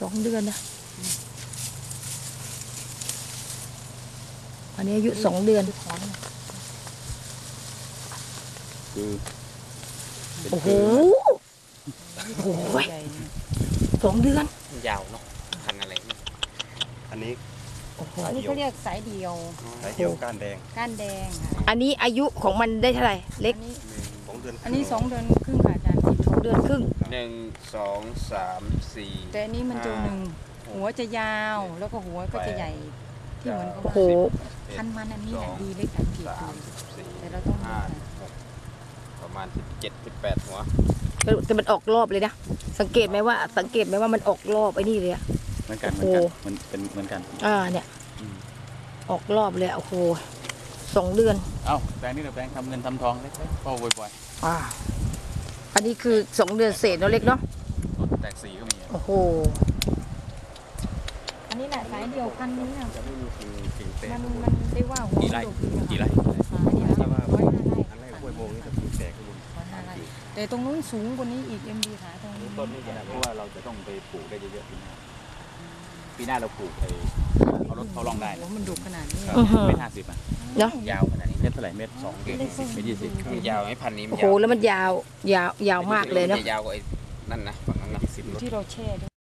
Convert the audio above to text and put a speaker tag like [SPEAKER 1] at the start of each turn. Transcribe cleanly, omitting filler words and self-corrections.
[SPEAKER 1] 2 เดือนนะอันนี้อายุ2 เดือน
[SPEAKER 2] คือ
[SPEAKER 1] โอ้โหโอ้โห2 เดือน
[SPEAKER 3] ยาวเนาะพันอะไร
[SPEAKER 2] อันนี้
[SPEAKER 1] โอ้โห
[SPEAKER 4] อันนี้เขาเรียกสายเดียว
[SPEAKER 2] สายเดียวก้านแดง
[SPEAKER 4] ค่ะ
[SPEAKER 1] อันนี้อายุของมันได้เท่าไหร่เล็ก
[SPEAKER 4] อันนี้2 เดือนครึ่งค่ะอาจารย์
[SPEAKER 1] 2 เดือนครึ่ง
[SPEAKER 3] 1 2 3 4
[SPEAKER 4] แต่อันนี้มันตัวหนึ่งหัวจะยาวแล้วก็หัวก็จะใหญ่ที่เหมือนกับ
[SPEAKER 1] โอ้โห
[SPEAKER 4] พันมันอันนี้แหละดีเลยสังเกตดูแต่เราต้อง
[SPEAKER 3] ประมาณ17-18หัว
[SPEAKER 1] แต่มันออกรอบเลยนะสังเกตไหมว่ามันออกรอบไอ้นี่เลยอะ
[SPEAKER 2] เหมือนกันมันเป็นเหมือนกัน
[SPEAKER 1] เนี่ยออกรอบเลยโอ้โห2 เดือน
[SPEAKER 2] เอ้าแปลงนี่แปลงทำเงินทำทองเล็กๆก็บ่อย
[SPEAKER 1] ๆอันนี้คือ2 เดือนเศษเนาะเล็กเนาะ
[SPEAKER 2] แตกสีก็มี
[SPEAKER 1] โอ้โห
[SPEAKER 4] อันนี้แหละสายเดียวพันนี้นะ
[SPEAKER 2] จะไม่มีกิ่งแตก
[SPEAKER 4] มันได้ว่าหัว
[SPEAKER 2] กี่ไร่
[SPEAKER 4] อันนี้105 ไร่
[SPEAKER 2] อันแรกกล้วยโมงนี่จะกิ่งแตกข้างบน
[SPEAKER 4] 105 ไร่แต่ตรงนู้นสูงกว่านี้อีกMDขาตรงนี้
[SPEAKER 2] ต้นนี้เพราะว่าเราจะต้องไปปลูกได้เยอะๆปีหน้าเราปลูกเอารถเขาลองได้
[SPEAKER 4] มันดุขนาดนี้
[SPEAKER 2] เมตร50
[SPEAKER 1] เนาะ
[SPEAKER 3] ยาวขนาดนี้
[SPEAKER 2] เมตรเท่าไหร่เมตร2เมตร20
[SPEAKER 3] ยาวไม่พันนี้
[SPEAKER 1] โอ้โหแล้วมันยาวมากเลยเนาะ
[SPEAKER 3] ยาวกว่าไอ้นั่นนะฝั่งนั้นนะ
[SPEAKER 4] ที่เราแช่